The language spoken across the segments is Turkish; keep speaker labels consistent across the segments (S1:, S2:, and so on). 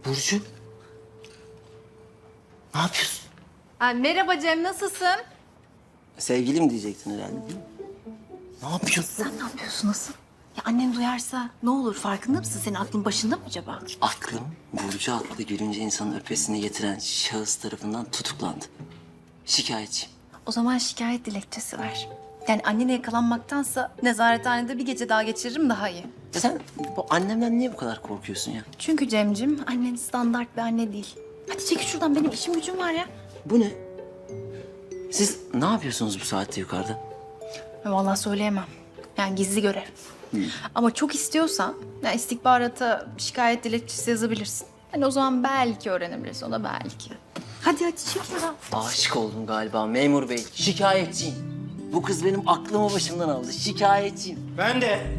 S1: Burcu. Ne yapıyorsun?
S2: Ay, merhaba Cem, nasılsın?
S1: Sevgilim diyecektin herhalde değil mi? Ne yapıyorsun?
S2: Sen ne yapıyorsun, nasıl? Ya annen duyarsa ne olur, farkında mısın? Senin aklın başında mı acaba?
S1: Aklım Burcu adlı gülünce insanın öpesini getiren şahıs tarafından tutuklandı. Şikayetçiyim.
S2: O zaman şikayet dilekçesi ver. Yani annene yakalanmaktansa nezarethanede bir gece daha geçiririm daha iyi.
S1: Sen bu annemden niye bu kadar korkuyorsun ya?
S2: Çünkü Cemcim, annen standart bir anne değil. Hadi çekil şuradan, benim işim gücüm var ya.
S1: Bu ne? Siz ne yapıyorsunuz bu saatte yukarıda?
S2: Vallahi söyleyemem. Yani gizli görev. Ama çok istiyorsan ya istihbarata şikayet dilekçesi yazabilirsin. Hani o zaman belki öğrenebiliriz, o da belki. Hadi çekil ya.
S1: Aşık oldum galiba memur bey. Şikayetçiyim. Bu kız benim aklımı başımdan aldı. Şikayetçiyim.
S3: Ben de.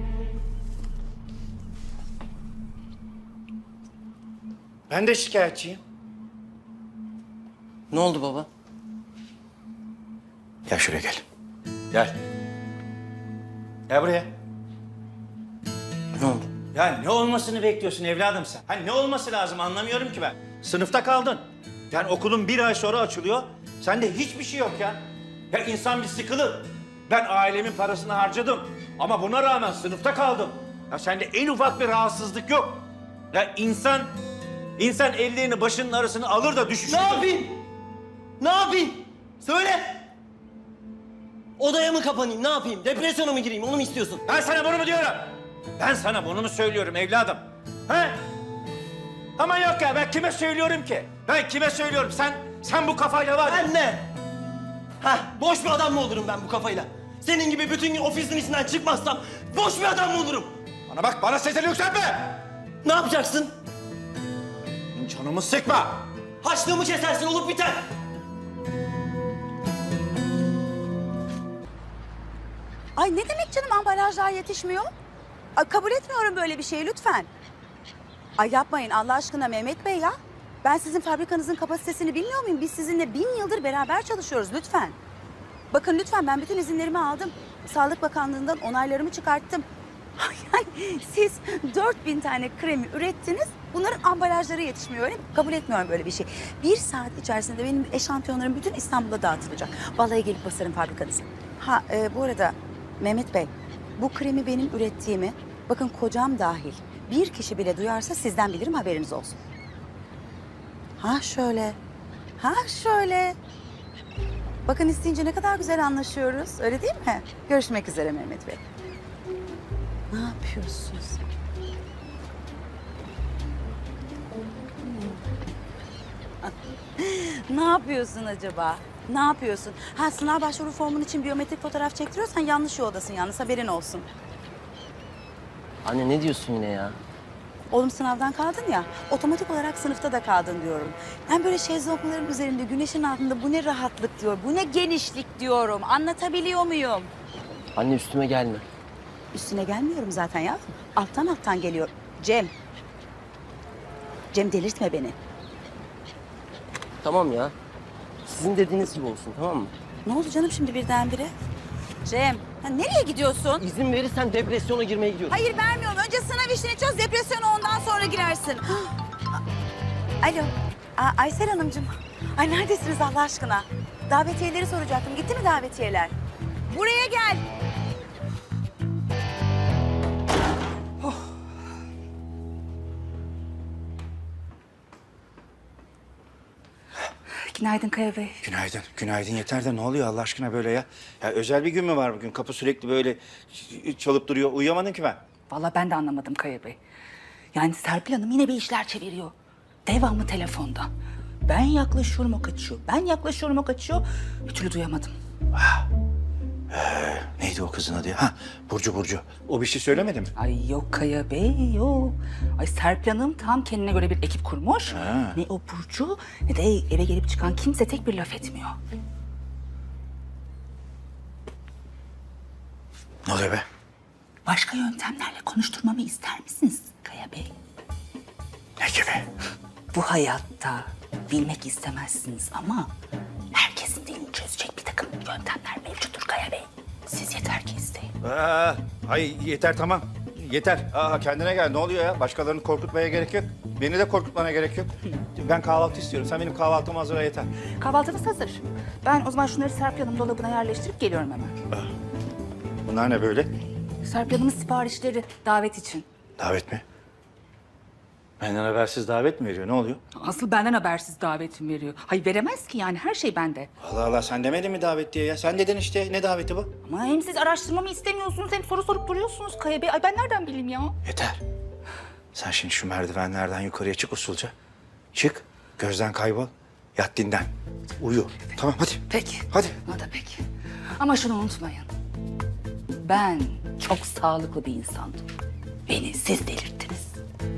S3: Ben de şikayetçiyim.
S1: Ne oldu baba?
S3: Gel şuraya gel. Gel. Gel buraya.
S1: Ne oldu?
S3: Ya ne olmasını bekliyorsun evladım sen? Ha ne olması lazım anlamıyorum ki ben. Sınıfta kaldın. Yani okulun bir ay sonra açılıyor. Sende hiçbir şey yok ya. Ya insan bir sıkılır. Ben ailemin parasını harcadım. Ama buna rağmen sınıfta kaldım. Ya sende en ufak bir rahatsızlık yok. Ya insan ellerini başının arasına alır da düşüşür.
S1: Ne yapayım? Ne yapayım? Söyle. Odaya mı kapanayım? Ne yapayım? Depresyona mı gireyim? Onu mu istiyorsun?
S3: Ben sana bunu mu diyorum? Ben sana bunu mu söylüyorum evladım? He? Ama yok ya ben kime söylüyorum ki? Ben kime söylüyorum? Sen bu kafayla var ya.
S1: Ben ne? Ha, boş bir adam mı olurum ben bu kafayla? Senin gibi bütün gün ofisin içinden çıkmazsam boş bir adam mı olurum?
S3: Bana bak bana sesini yükseltme.
S1: Ne yapacaksın?
S3: Canımı sıkma.
S1: Haçlığımı kesersin, olup biter.
S4: Ay ne demek canım ambalajlar yetişmiyor? Ay, kabul etmiyorum böyle bir şeyi lütfen. Ay yapmayın Allah aşkına Mehmet Bey ya. Ben sizin fabrikanızın kapasitesini bilmiyor muyum? Biz sizinle 1000 yıldır beraber çalışıyoruz lütfen. Bakın lütfen ben bütün izinlerimi aldım. Sağlık Bakanlığı'ndan onaylarımı çıkarttım. Yani siz 4000 tane kremi ürettiniz. Bunların ambalajları yetişmiyor öyle mi? Kabul etmiyorum böyle bir şey. 1 saat içerisinde benim eşantiyonlarım bütün İstanbul'a dağıtılacak. Vallahi gelip basarım fabrikanızı. Ha bu arada Mehmet Bey, bu kremi benim ürettiğimi, bakın kocam dahil bir kişi bile duyarsa sizden bilirim haberiniz olsun. Ha şöyle, ha şöyle. Bakın isteyince ne kadar güzel anlaşıyoruz, öyle değil mi? Görüşmek üzere Mehmet Bey. Ne yapıyorsunuz? Ne yapıyorsun acaba? Ne yapıyorsun? Ha sınav başvuru formun için biyometrik fotoğraf çektiriyorsan yanlış yoldasın yalnız haberin olsun.
S1: Anne ne diyorsun yine ya?
S4: Oğlum sınavdan kaldın ya, otomatik olarak sınıfta da kaldın diyorum. Ben böyle şezlongların üzerinde, güneşin altında bu ne rahatlık diyor, bu ne genişlik diyorum. Anlatabiliyor muyum?
S1: Anne üstüme gelme.
S4: Üstüne gelmiyorum zaten ya. Alttan alttan geliyor. Cem. Cem delirtme beni.
S1: Tamam ya. Sizin dediğiniz gibi olsun, tamam mı?
S4: Ne oldu canım şimdi birdenbire? Cem, ha nereye gidiyorsun?
S1: İzin verirsen depresyona girmeye gidiyorum.
S4: Hayır vermiyorum. Önce sınav işini çöz, depresyona ondan sonra girersin. Alo, Aysel Hanımcığım. Ay neredesiniz Allah aşkına? Davetiyeleri soracaktım. Gitti mi davetiyeler? Buraya gel. Günaydın Kaya Bey.
S3: Günaydın. Günaydın yeter de ne oluyor Allah aşkına böyle ya? Ya özel bir gün mü var bugün? Kapı sürekli böyle çalıp duruyor. Uyuyamadım ki ben.
S5: Vallahi ben de anlamadım Kaya Bey. Yani Serpil Hanım yine bir işler çeviriyor. Devamlı telefonda. Ben yaklaşıyorum o kaçıyor. Ben yaklaşıyorum o kaçıyor. Bir türlü duyamadım.
S3: Neydi o kızın adı ya? Ha, Burcu. O bir şey söylemedi mi?
S5: Ay yok Kaya Bey yok. Ay Serpil Hanım tam kendine göre bir ekip kurmuş.
S3: Ha.
S5: Ne o Burcu ne de eve gelip çıkan kimse tek bir laf etmiyor.
S3: Ne oluyor be?
S5: Başka yöntemlerle konuşturmamı ister misiniz Kaya Bey?
S3: Ne gibi?
S5: Bu hayatta bilmek istemezsiniz ama herkesin dilini çözecek bir takım yöntemler mevcuttur Kaya Bey. Siz yeter ki isteyin.
S3: Ay yeter tamam. yeter. Kendine gel. Ne oluyor ya? Başkalarını korkutmaya gerek yok. Beni de korkutmana gerek yok. Ben kahvaltı istiyorum. Sen benim kahvaltımı hazırla yeter.
S5: Kahvaltınız hazır. Ben o zaman şunları Serpil Hanım dolabına yerleştirip geliyorum hemen.
S3: Bunlar ne böyle?
S5: Serpil Hanım'ın siparişleri davet için.
S3: Davet mi? Benden habersiz davet mi veriyor? Ne oluyor?
S5: Asıl benden habersiz davetim veriyor. Hayır veremez ki yani her şey bende.
S3: Allah Allah, sen demedin mi davet diye ya? Sen dedin işte. Ne daveti bu?
S5: Ama hem siz araştırmamı istemiyorsunuz hem soru sorup duruyorsunuz Kaya Bey. Ay ben nereden bileyim ya?
S3: Yeter. Sen şimdi şu merdivenlerden yukarıya çık usulca. Çık, gözden kaybol. Yat dinlen. Uyu. Tamam hadi.
S5: Peki.
S3: Hadi.
S5: O da peki. Ama şunu unutmayın. Ben çok sağlıklı bir insandım. Beni siz delirttiniz.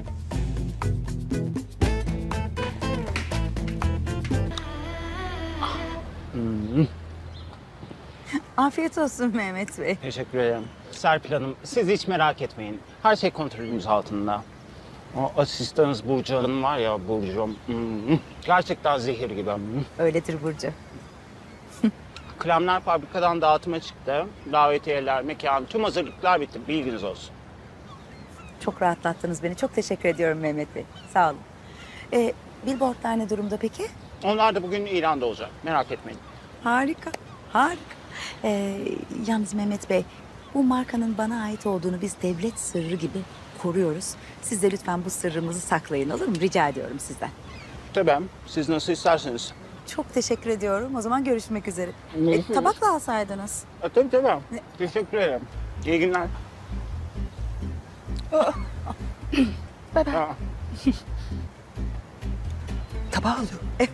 S4: Afiyet olsun Mehmet Bey.
S6: Teşekkür ederim. Serpil Hanım, siz hiç merak etmeyin. Her şey kontrolümüz altında. O asistanınız Burcu Hanım var ya, Burcu. Gerçekten zehir gibi.
S4: Öyledir Burcu.
S6: Kremler fabrikadan dağıtıma çıktı. Davetiyeler, mekan, tüm hazırlıklar bitti. Bilginiz olsun.
S4: Çok rahatlattınız beni. Çok teşekkür ediyorum Mehmet Bey. Sağ olun. Billboardlar ne durumda peki?
S6: Onlar da bugün ilanda olacak. Merak etmeyin.
S4: Harika, harika. Yalnız Mehmet Bey, bu markanın bana ait olduğunu biz devlet sırrı gibi koruyoruz. Siz de lütfen bu sırrımızı saklayın, olur mu? Rica ediyorum sizden.
S6: Tabii, siz nasıl isterseniz.
S4: Çok teşekkür ediyorum. O zaman görüşmek üzere.
S6: Görüşürüz.
S4: Tabak da alsaydınız.
S6: Tabii. Teşekkür ederim. İyi günler.
S5: Bay bay.
S6: Aa.
S5: Tabağı alıyor.
S4: Evet.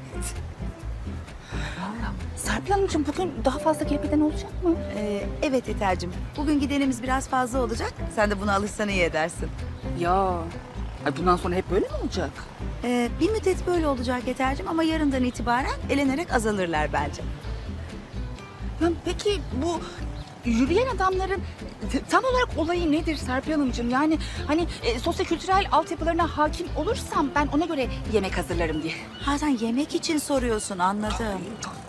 S5: Serpil Hanımcığım bugün daha fazla gelmeden olacak mı?
S4: Evet Yeter'cim. Bugün gidenimiz biraz fazla olacak. Sen de buna alışsan iyi edersin.
S5: Ya. Ay bundan sonra hep böyle mi olacak?
S4: Bir müddet böyle olacak Yeter'cim ama yarından itibaren elenerek azalırlar bence.
S5: Ya peki bu yürüyen adamların tam olarak olayı nedir Serpil Hanımcığım? Yani hani sosyokültürel altyapılarına hakim olursam ben ona göre yemek hazırlarım diye.
S4: Ha sen yemek için soruyorsun, anladım.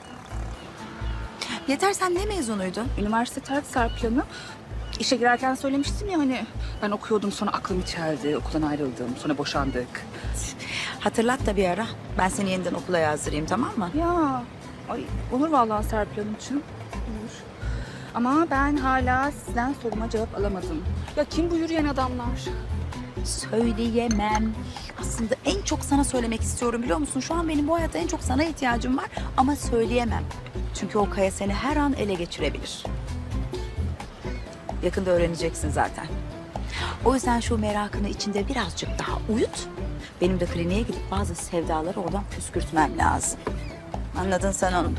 S4: Yeter, sen ne mezunuydun?
S5: Üniversite terk Serpil Hanım. İşe girerken söylemiştim ya hani ben okuyordum sonra aklım çeldi, okuldan ayrıldım, sonra boşandık.
S4: Hatırlat da bir ara. Ben seni yeniden okula yazdırayım, tamam mı?
S5: Ya ay olur vallahi Serpil Hanımcığım. Olur. Ama ben hala sizden soruma cevap alamadım. Ya kim bu yürüyen adamlar?
S4: Söyleyemem. Aslında en çok sana söylemek istiyorum, biliyor musun? Şu an benim bu hayatta en çok sana ihtiyacım var ama söyleyemem. Çünkü o Kaya seni her an ele geçirebilir. Yakında öğreneceksin zaten. O yüzden şu merakını içinde birazcık daha uyut. Benim de kliniğe gidip bazı sevdaları oradan püskürtmem lazım. Anladın sen onu.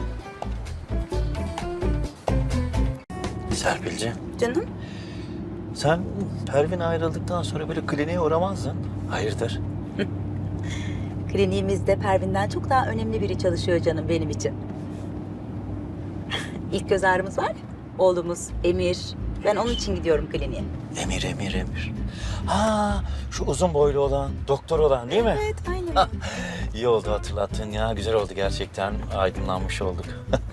S1: Serpilciğim,
S4: Canım?
S1: sen Pervin ayrıldıktan sonra böyle kliniğe uğramazdın. Hayırdır?
S4: Kliniğimizde Pervin'den çok daha önemli biri çalışıyor canım benim için. İlk göz ağrımız var ya, oğlumuz Emir. Ben onun için gidiyorum kliniğe.
S1: Emir. Ha, şu uzun boylu olan, doktor olan değil mi?
S4: Evet, aynen.
S1: İyi oldu hatırlattın ya. Güzel oldu gerçekten. Aydınlanmış olduk.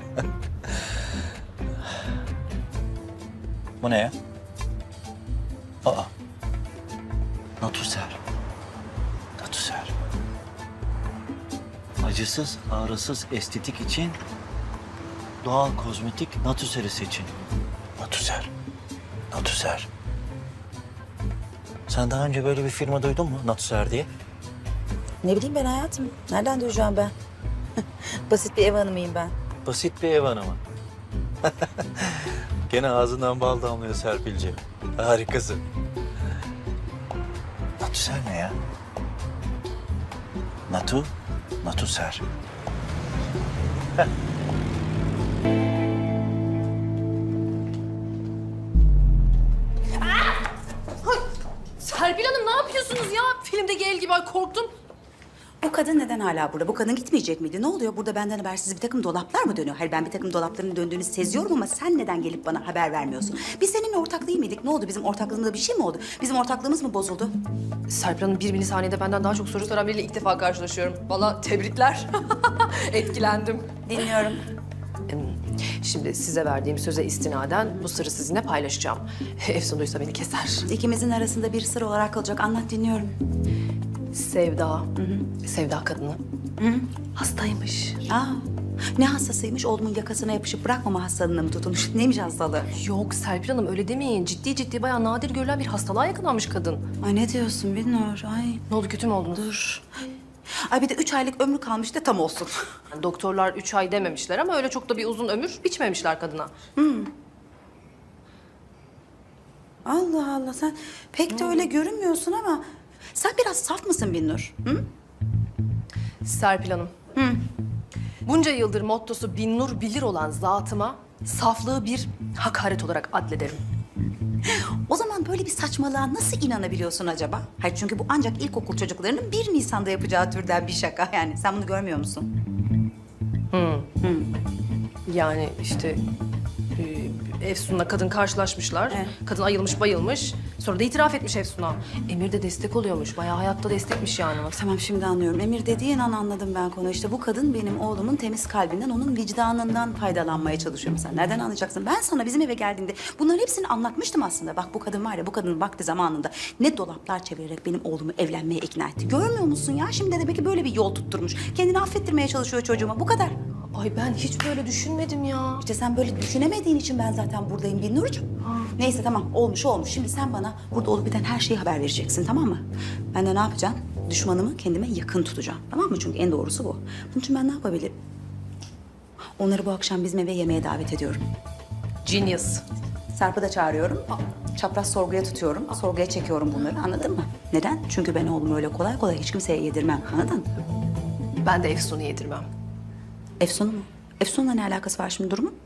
S1: Bu ne ya? Aa. Natuser. Acısız, ağrısız estetik için doğal kozmetik Natuser'i seçin. Natuser. Sen daha önce böyle bir firma duydun mu Natuser diye?
S4: Ne bileyim ben hayatım. Nereden duyacağım ben? Basit bir ev hanımıyım ben.
S1: Basit bir ev hanımı. Gene ağzından bal damlıyor Serpilciğim. Harikasın. Natuser ne ya? Natuser.
S7: Serpil Hanım ne yapıyorsunuz ya? Filmdeki el gibi, ay korktum.
S4: Bu kadın neden hala burada? Bu kadın gitmeyecek miydi? Ne oluyor? Burada benden habersiz bir takım dolaplar mı dönüyor? Hayır, ben bir takım dolapların döndüğünü seziyorum ama sen neden gelip bana haber vermiyorsun? Biz seninle ortak değil miydik? Ne oldu? Bizim ortaklığımızda bir şey mi oldu? Bizim ortaklığımız mı bozuldu?
S7: Serpil Hanım bir milisaniyede benden daha çok soru soran biriyle ilk defa karşılaşıyorum. Vallahi tebrikler. Etkilendim.
S4: Dinliyorum.
S7: Şimdi size verdiğim söze istinaden bu sırrı sizinle paylaşacağım. Efsun duysa beni keser.
S4: İkimizin arasında bir sır olarak kalacak. Anlat, dinliyorum.
S7: Sevda, Sevda kadını hastaymış.
S4: Aa, ne hastasıymış? Oğlumun yakasına yapışıp bırakmama hastalığına mı tutulmuş? Neymiş hastalığı?
S7: Yok Serpil Hanım öyle demeyin. Ciddi bayağı nadir görülen bir hastalığa yakalanmış kadın.
S4: Ay ne diyorsun Binnur? Ay.
S7: Ne oldu kötü mü oldunuz?
S4: Dur. Ay bir de 3 aylık ömrü kalmış da tam olsun.
S7: Yani doktorlar 3 ay dememişler ama öyle çok da bir uzun ömür biçmemişler kadına.
S4: Allah Allah, sen pek de öyle görünmüyorsun ama... Sen biraz saf mısın Binnur? Hı?
S7: Serpil Hanım. Bunca yıldır mottosu Binnur bilir olan zatıma saflığı bir hakaret olarak adlederim.
S4: O zaman böyle bir saçmalığa nasıl inanabiliyorsun acaba? Hayır, çünkü bu ancak ilkokul çocuklarının 1 Nisan'da yapacağı türden bir şaka. Yani sen bunu görmüyor musun?
S7: Yani işte Efsun'la kadın karşılaşmışlar.
S4: Evet.
S7: Kadın ayılmış bayılmış. Sonra da itiraf etmiş Efsun'a. Emir de destek oluyormuş. Bayağı hayatta destekmiş yani.
S4: Tamam, şimdi anlıyorum. Emir dediğin an anladım ben konu. İşte bu kadın benim oğlumun temiz kalbinden, onun vicdanından faydalanmaya çalışıyor. Sen nereden anlayacaksın? Ben sana bizim eve geldiğimde bunların hepsini anlatmıştım aslında. Bak bu kadın var ya, bu kadının vakti zamanında ne dolaplar çevirerek benim oğlumu evlenmeye ikna etti. Görmüyor musun ya? Şimdi de belki böyle bir yol tutturmuş. Kendini affettirmeye çalışıyor çocuğuma. Bu kadar.
S7: Ay ben hiç böyle düşünmedim ya.
S4: İşte sen böyle düşünemediğin için ben zaten buradayım Binnurcuğum. Neyse tamam, olmuş olmuş. Şimdi sen bana burada olup biten her şeyi haber vereceksin, tamam mı? Ben de ne yapacağım? Düşmanımı kendime yakın tutacağım, tamam mı? Çünkü en doğrusu bu. Bunun için ben ne yapabilirim? Onları bu akşam bizim eve yemeğe davet ediyorum.
S7: Genius.
S4: Sarp'ı da çağırıyorum. Çapraz sorguya tutuyorum. Sorguya çekiyorum bunları, anladın mı? Neden? Çünkü ben oğlumu öyle kolay kolay hiç kimseye yedirmem, anladın?
S7: Ben de Efsun'u yedirmem.
S4: Efsun'u mu? Efsun'la ne alakası var şimdi durumun?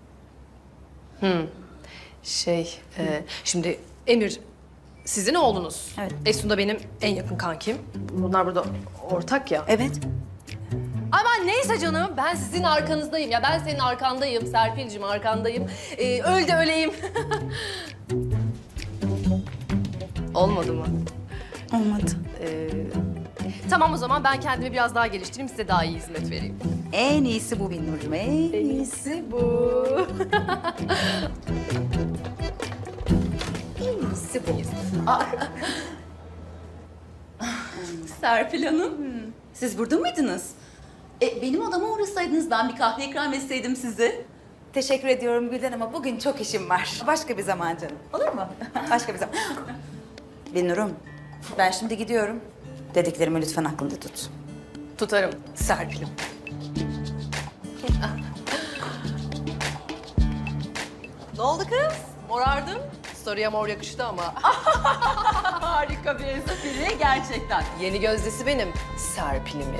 S7: Şimdi Emir sizin oğlunuz.
S4: Evet.
S7: Efsun da benim en yakın kankim. Bunlar burada ortak ya.
S4: Evet.
S7: Ama neyse canım ben sizin arkanızdayım ya. Ben senin arkandayım Serpil'cim arkandayım. Öl de öleyim. Olmadı mı?
S4: Olmadı.
S7: Tamam o zaman ben kendimi biraz daha geliştireyim size daha iyi hizmet vereyim.
S4: En iyisi bu Binnurcuğum, en iyisi bu. En iyisi bu.
S8: Serpil Hanım, siz burada mıydınız? Benim odama uğrasaydınız, ben bir kahve ikram etseydim size.
S4: Teşekkür ediyorum Gülden ama bugün çok işim var. Başka bir zaman canım. Olur mu? Başka bir zaman. Binnur'um, ben şimdi gidiyorum. Dediklerimi lütfen aklında tut.
S7: Tutarım Serpil'im. Ne oldu kız? Morardın. Story'e mor yakıştı ama.
S8: Harika bir espri gerçekten.
S7: Yeni gözdesi benim Serpil'imin.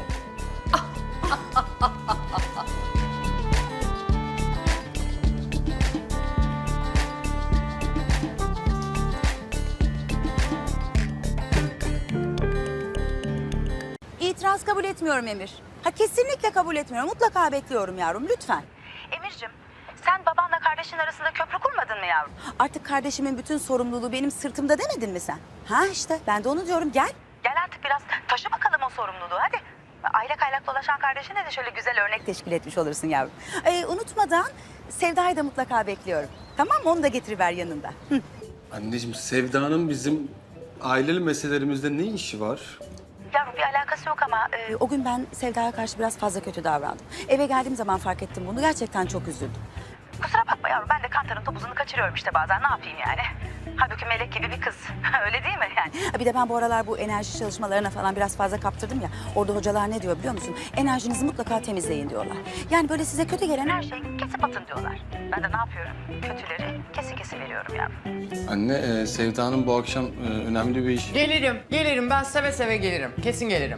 S4: İtiraz kabul etmiyorum Emir. Ha, kesinlikle kabul etmiyorum. Mutlaka bekliyorum yavrum, lütfen. Emir'cim, sen babanla kardeşin arasında köprü kurmadın mı yavrum? Artık kardeşimin bütün sorumluluğu benim sırtımda demedin mi sen? Ha işte, ben de onu diyorum. Gel. Gel artık biraz taşı bakalım o sorumluluğu, hadi. Aylak aylak dolaşan kardeşine de şöyle güzel örnek teşkil etmiş olursun yavrum. Unutmadan Sevda'yı da mutlaka bekliyorum. Tamam mı? Onu da getiriver yanında. Hı.
S9: Anneciğim, Sevda'nın bizim aileli meselelerimizde ne işi var?
S4: Yavrum bir alakası yok ama o gün ben Sevda'ya karşı biraz fazla kötü davrandım. Eve geldiğim zaman fark ettim bunu. Gerçekten çok üzüldüm. Kusura bakma yavrum, ben de kantarın topuzunu kaçırıyorum işte bazen. Ne yapayım yani? Halbuki melek gibi bir kız. Öyle değil mi yani? Bir de ben bu aralar bu enerji çalışmalarına falan biraz fazla kaptırdım ya. Orada hocalar ne diyor biliyor musun? Enerjinizi mutlaka temizleyin diyorlar. Yani böyle size kötü gelen her şeyi kesip atın diyorlar. Ben de ne yapıyorum? Kötüleri kesin veriyorum yavrum.
S9: Anne, Sevda'nın bu akşam önemli bir iş.
S10: Gelirim. Ben seve seve gelirim. Kesin gelirim.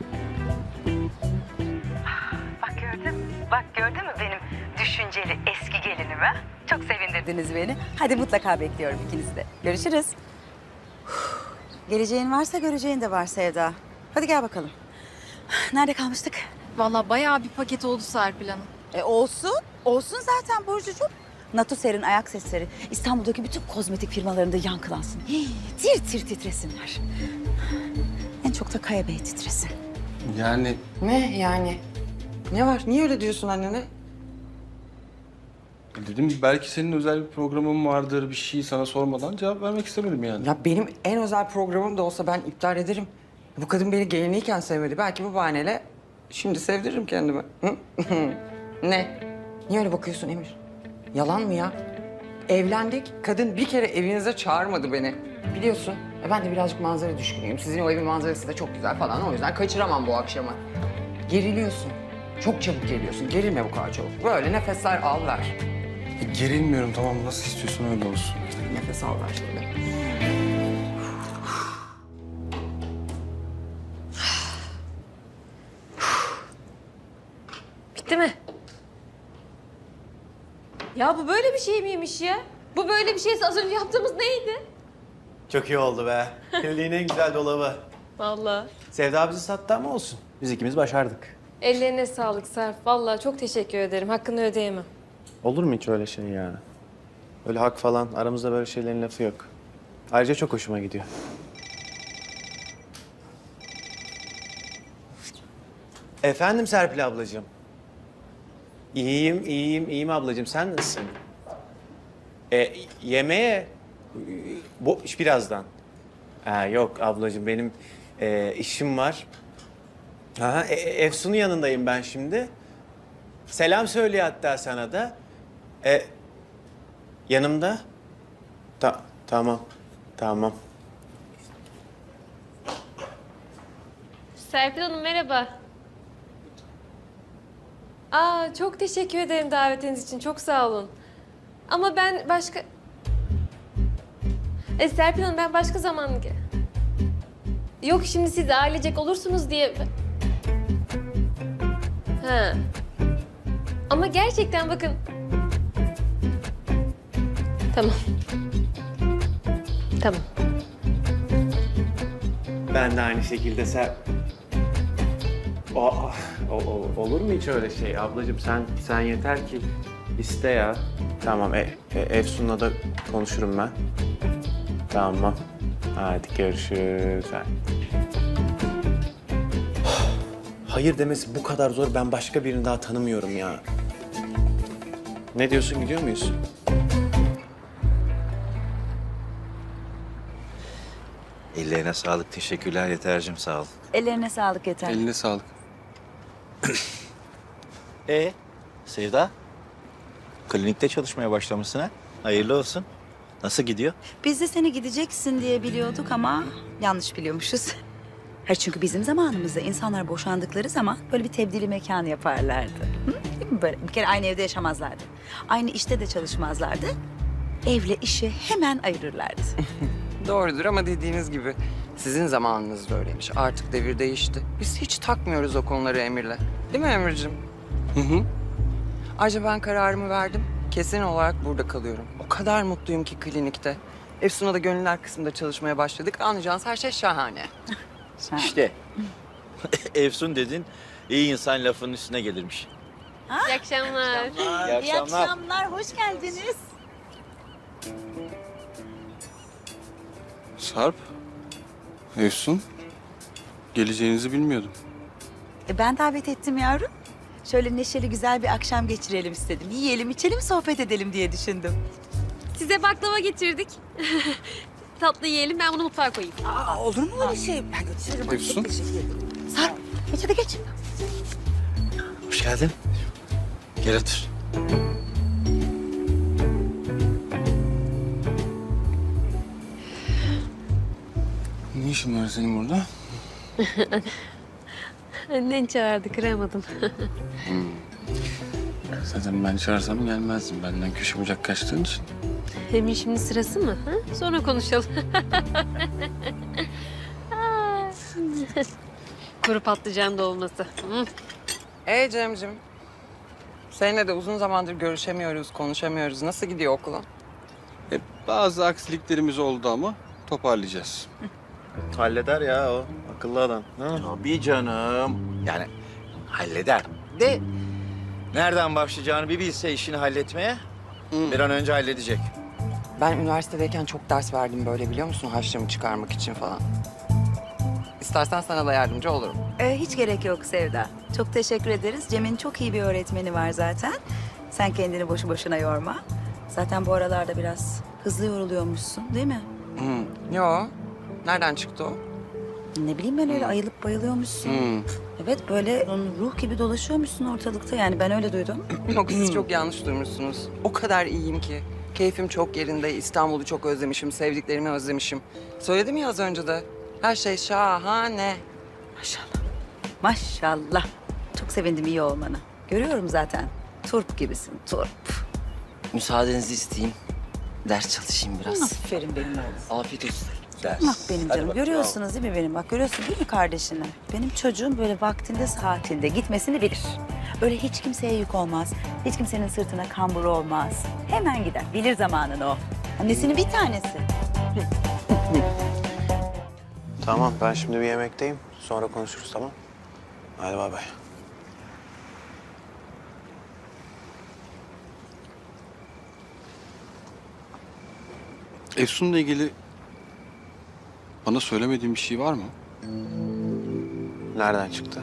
S4: Bak gördün mü benim düşünceli eski gelinimi? Çok sevindirdiniz beni. Hadi mutlaka bekliyorum ikinizi de. Görüşürüz. Geleceğin varsa göreceğin de var Sevda. Hadi gel bakalım. Nerede kalmıştık?
S2: Vallahi bayağı bir paket oldu Serpil Hanım.
S4: Olsun. Olsun zaten Burcucuğum. Natuser'in ayak sesleri İstanbul'daki bütün kozmetik firmalarında yankılansın. Tir tir titresinler. En çok da Kaya Bey titresin.
S9: Yani
S10: Ne yani? Ne var? Niye öyle diyorsun annene?
S9: Dedim belki senin özel bir programın vardır, bir şey sana sormadan cevap vermek istemedim yani.
S10: Ya benim en özel programım da olsa ben iptal ederim. Bu kadın beni geliniyken sevmedi. Belki bu bahaneyle şimdi sevdiririm kendimi. Hı? Ne? Niye öyle bakıyorsun Emir? Yalan mı ya? Evlendik. Kadın bir kere evinize çağırmadı beni. Biliyorsun. Ben de birazcık manzara düşkünüyüm. Sizin o evin manzarası da çok güzel falan. O yüzden kaçıramam bu akşamı. Geriliyorsun. Çok çabuk geriyorsun. Gerilme bu kadar çabuk. Böyle nefesler al ver.
S9: Gerilmiyorum, tamam, nasıl istiyorsan öyle olsun.
S10: Nefes al ver şöyle.
S11: Bitti mi? Ya bu böyle bir şey miymiş ya? Bu böyle bir şeyse az önce yaptığımız neydi?
S3: Çok iyi oldu be. Kliniğin en güzel dolabı.
S11: Vallahi.
S3: Sevda bizi sattı ama olsun. Biz ikimiz başardık.
S11: Ellerine sağlık Serp. Vallahi çok teşekkür ederim. Hakkını ödeyemem.
S3: Olur mu hiç öyle şey ya? Öyle hak falan, aramızda böyle şeylerin lafı yok. Ayrıca çok hoşuma gidiyor. Efendim Serpil ablacığım. İyiyim ablacığım. Sen nasılsın? Yemeğe birazdan. Yok ablacığım benim işim var. Efsun'un yanındayım ben şimdi. Selam söylüyor hatta sana da. Yanımda. Tamam.
S11: Serpil Hanım merhaba. Çok teşekkür ederim davetiniz için. Çok sağ olun. Ama ben başka... Serpil Hanım ben başka zaman... Yok şimdi siz ailecek olursunuz diye... Ha. Ama gerçekten bakın... Tamam.
S3: Ben de aynı şekilde olur mu hiç öyle şey ablacığım? Sen yeter ki iste ya. Tamam, Efsun'la da konuşurum ben. Tamam. Hadi görüşürüz. Hayır demesi bu kadar zor. Ben başka birini daha tanımıyorum ya. Ne diyorsun, gidiyor muyuz?
S12: Ellerine sağlık. Teşekkürler Yeter'cim. Sağ ol.
S4: Ellerine sağlık Yeter.
S9: Eline sağlık.
S12: Sevda? Klinikte çalışmaya başlamışsın ha? Hayırlı olsun. Nasıl gidiyor?
S4: Biz de seni gideceksin diye biliyorduk ama yanlış biliyormuşuz. Hayır çünkü bizim zamanımızda insanlar boşandıkları zaman böyle bir tebdili mekan yaparlardı. Hı? Değil mi böyle? Bir kere aynı evde yaşamazlardı. Aynı işte de çalışmazlardı. Evle işi hemen ayırırlardı.
S10: Doğrudur ama dediğiniz gibi sizin zamanınızda öyleymiş. Artık devir değişti. Biz hiç takmıyoruz o konuları Emir'le. Değil mi Emir'cim?
S9: Hı.
S10: Ayrıca ben kararımı verdim. Kesin olarak burada kalıyorum. O kadar mutluyum ki klinikte. Efsun'a da gönüller kısmında çalışmaya başladık. Anlayacağınız her şey şahane.
S12: İşte. Efsun dedin, iyi insan lafının üstüne gelirmiş.
S11: İyi akşamlar.
S12: İyi akşamlar.
S4: Hoş geldiniz.
S9: Sarp, Efsun, geleceğinizi bilmiyordum.
S4: Ben davet ettim yavrum. Şöyle neşeli güzel bir akşam geçirelim istedim. Yiyelim, içelim, sohbet edelim diye düşündüm.
S11: Size baklava getirdik. Tatlı yiyelim. Ben bunu mutfağa koyayım.
S4: Olur mu öyle şey? Ben götürürüm.
S9: Efsun.
S4: Sarp, geç hadi geç.
S12: Hoş geldin. Gel otur.
S9: Ne işin var senin burada?
S11: Annen çağırdı. Kıramadım.
S9: Zaten ben çağırsam gelmezdim. Benden köşe bucak kaçtığın için.
S11: Emin şimdi sırası mı? Ha? Sonra konuşalım. Kuru patlıcan dolması.
S10: Cem'cim. Seninle de uzun zamandır görüşemiyoruz, konuşamıyoruz. Nasıl gidiyor okulun?
S9: Bazı aksiliklerimiz oldu ama toparlayacağız.
S3: Halleder ya o. Akıllı adam. Ha?
S12: Tabii canım. Yani halleder. De nereden başlayacağını bir bilse işini halletmeye bir an önce halledecek.
S10: Ben üniversitedeyken çok ders verdim böyle biliyor musun? Harçlığımı çıkarmak için falan. İstersen sana da yardımcı olurum.
S4: Hiç gerek yok Sevda. Çok teşekkür ederiz. Cem'in çok iyi bir öğretmeni var zaten. Sen kendini boşu boşuna yorma. Zaten bu aralarda biraz hızlı yoruluyormuşsun değil mi?
S10: Yo. Nereden çıktı o?
S4: Ne bileyim ben öyle ayılıp bayılıyormuşsun. Evet böyle ruh gibi dolaşıyormuşsun ortalıkta yani ben öyle duydum.
S10: Yok siz çok yanlış duymuşsunuz. O kadar iyiyim ki. Keyfim çok yerinde. İstanbul'u çok özlemişim. Sevdiklerimi özlemişim. Söyledim ya az önce de. Her şey şahane.
S4: Maşallah. Maşallah. Çok sevindim iyi olmana. Görüyorum zaten. Turp gibisin, turp.
S1: Müsaadenizi isteyeyim. Ders çalışayım biraz.
S4: Aferin benim oğlum.
S1: Afiyet olsun.
S4: Bak benim canım. Görüyorsunuz değil mi benim? Bak görüyorsun değil mi kardeşini? Benim çocuğum böyle vaktinde saatinde gitmesini bilir. Öyle hiç kimseye yük olmaz. Hiç kimsenin sırtına kambur olmaz. Hemen gider. Bilir zamanını o. Annesinin bir tanesi.
S13: Tamam, ben şimdi bir yemekteyim. Sonra konuşuruz, tamam? Hadi bay bay.
S9: Efsun'la ilgili bana söylemediğin bir şey var mı?
S13: Nereden çıktı?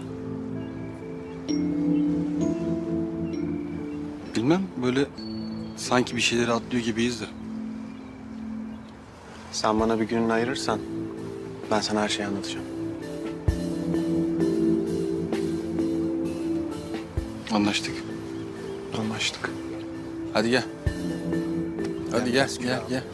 S9: Bilmem, böyle sanki bir şeyleri atlıyor gibiyiz de.
S13: Sen bana bir gününü ayırırsan ben sana her şeyi anlatacağım.
S9: Anlaştık.
S13: Anlaştık.
S9: Hadi gel. Hadi gel.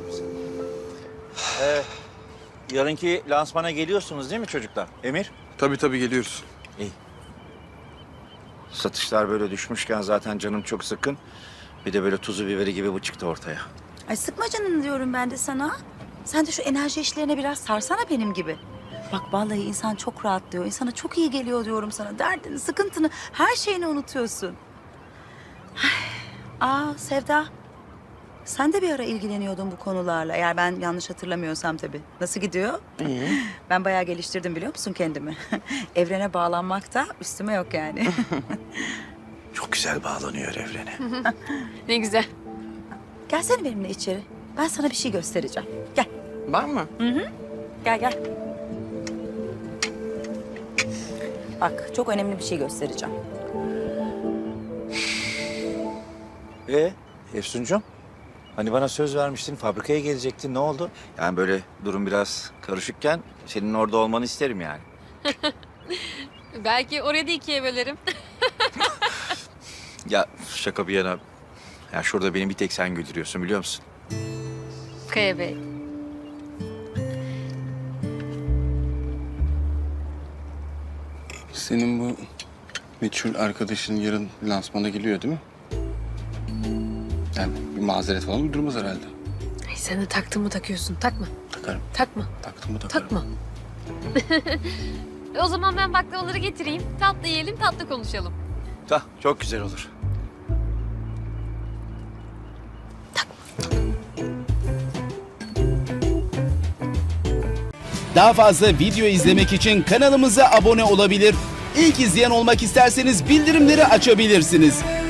S3: Yarınki lansmana geliyorsunuz değil mi çocuklar? Emir?
S9: Tabii geliyoruz.
S3: İyi. Satışlar böyle düşmüşken zaten canım çok sıkın. Bir de böyle tuzu biberi gibi bu çıktı ortaya.
S4: Ay sıkma canını diyorum ben de sana. Sen de şu enerji işlerine biraz sarsana benim gibi. Bak vallahi insan çok rahatlıyor. İnsana çok iyi geliyor diyorum sana. Derdini, sıkıntını, her şeyini unutuyorsun. Sevda. Sen de bir ara ilgileniyordun bu konularla. Eğer ben yanlış hatırlamıyorsam tabii. Nasıl gidiyor?
S10: İyi.
S4: Ben bayağı geliştirdim biliyor musun kendimi? Evrene bağlanmak da üstüme yok yani.
S12: Çok güzel bağlanıyor evrene.
S11: Ne güzel.
S4: Gelsene benimle içeri. Ben sana bir şey göstereceğim. Gel.
S10: Var mı?
S4: Gel. Bak çok önemli bir şey göstereceğim.
S3: Efsuncuğum? Hani bana söz vermiştin, fabrikaya gelecektin. Ne oldu? Yani böyle durum biraz karışıkken senin orada olmanı isterim yani.
S11: Belki oraya da ikiye bölerim.
S3: Ya şaka bir yana. Ya şurada beni bir tek sen güldürüyorsun biliyor musun?
S11: Kaya Bey.
S9: Senin bu meçhul arkadaşın yarın lansmana geliyor değil mi? Yani bir mazeret falan uydurmaz herhalde.
S11: Ay sen de taktın mı takıyorsun? Takma.
S9: Takarım.
S11: Takma.
S9: Taktım mı takarım.
S11: Takma. O zaman ben baklavaları getireyim. Tatlı yiyelim, tatlı konuşalım.
S3: Çok güzel olur.
S14: Daha fazla video izlemek için kanalımıza abone olabilir. İlk izleyen olmak isterseniz bildirimleri açabilirsiniz.